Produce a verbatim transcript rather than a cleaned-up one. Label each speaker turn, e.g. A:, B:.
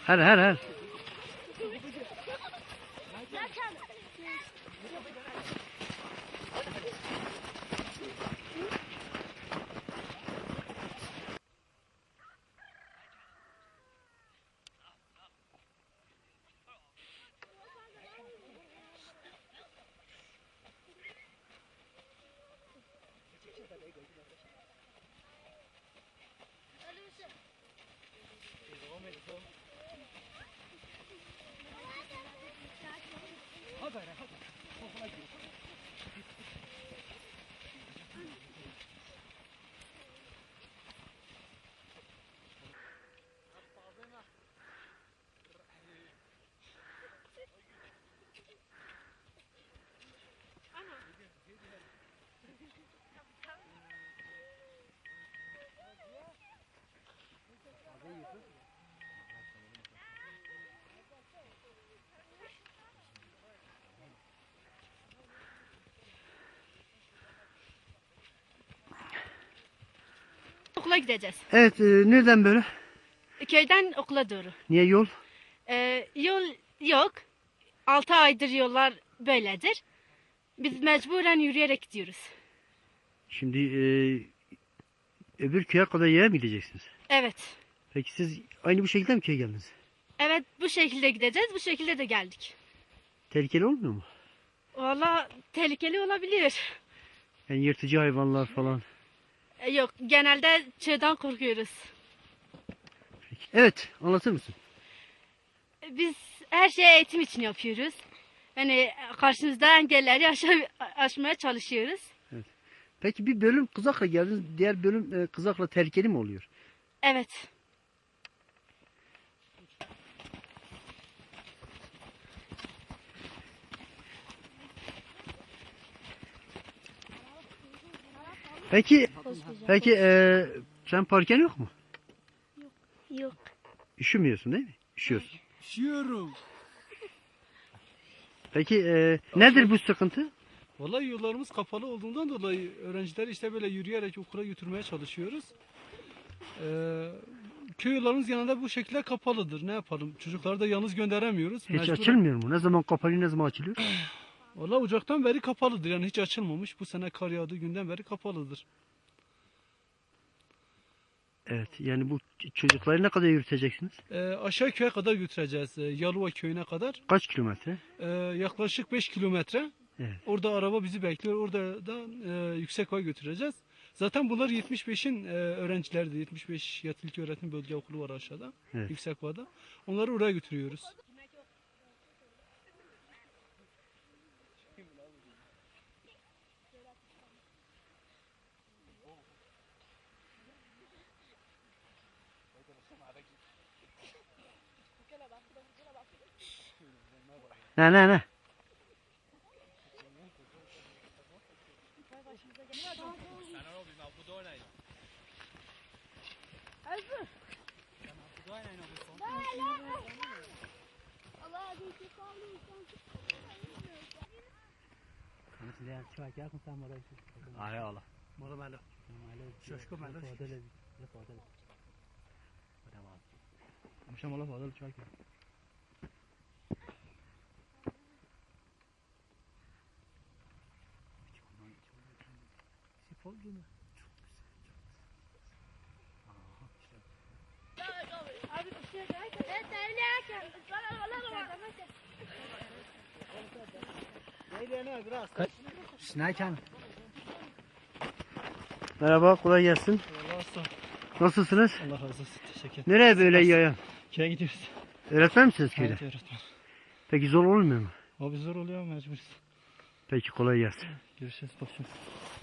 A: Her her her.
B: Okula gideceğiz.
A: Evet, e, nereden böyle?
B: Köyden okula doğru.
A: Niye yol?
B: Ee, yol yok. Altı aydır yollar böyledir. Biz mecburen yürüyerek gidiyoruz.
A: Şimdi e, öbür köye kadar yaya mı gideceksiniz?
B: Evet.
A: Peki siz aynı bu şekilde mi köye geldiniz?
B: Evet, bu şekilde gideceğiz. Bu şekilde de geldik.
A: Tehlikeli olmuyor mu?
B: Valla tehlikeli olabilir.
A: Yani yırtıcı hayvanlar falan.
B: Ee, yok, genelde çığdan korkuyoruz.
A: Peki. Evet, anlatır mısın?
B: Biz her şeyi eğitim için yapıyoruz. Yani karşımızda engelleri aşa- aşmaya çalışıyoruz.
A: Peki bir bölüm kızakla geldiniz, diğer bölüm e, kızakla tehlikeli mi oluyor?
B: Evet.
A: Peki, peki e, sen parken yok mu?
B: Yok.
A: Üşümüyorsun değil mi? Üşüyorsun.
C: Üşüyorum.
A: Peki e, nedir bu sıkıntı?
C: Vallahi yollarımız kapalı olduğundan dolayı öğrencileri işte böyle yürüyerek okula götürmeye çalışıyoruz. Ee, köy yollarımız genelde bu şekilde kapalıdır. Ne yapalım? Çocukları da yalnız gönderemiyoruz.
A: Hiç
C: Mecburen-
A: açılmıyor mu? Ne zaman kapanıyor, ne zaman açılıyor?
C: Vallahi Ocak'tan beri kapalıdır. Yani hiç açılmamış. Bu sene kar yağdığı günden beri kapalıdır.
A: Evet, yani bu ç- çocukları ne kadar yürüteceksiniz?
C: Ee, aşağı köye kadar götüreceğiz. Ee, Yalıva köyüne kadar.
A: Kaç kilometre?
C: Ee, yaklaşık beş kilometre.
A: Evet.
C: Orada araba bizi bekliyor. Orada da e, Yüksekova'ya götüreceğiz. Zaten bunlar yetmiş beşin e, öğrencileri. yetmiş beş Yatılı Öğretim Bölge Okulu var aşağıda.
A: Evet.
C: Yüksekova'da. Onları oraya götürüyoruz.
A: Ne ne ne? Ay Allah.
C: Moro malo. Şaşkın malo.
A: Amşam Allah fazla çay ki. Merhaba, kolay gelsin.
C: Allah olsun.
A: Nasılsınız?
C: Allah razı olsun. Teşekkür ederim.
A: Nereye böyle yaya?
C: Köye gidiyoruz.
A: Öğretmen misiniz köyde?
C: Evet öğretmen.
A: Peki zor olmuyor mu?
C: Abi zor oluyor mecburuz.
A: Peki kolay gelsin.
C: Görüşürüz. Bakıyoruz.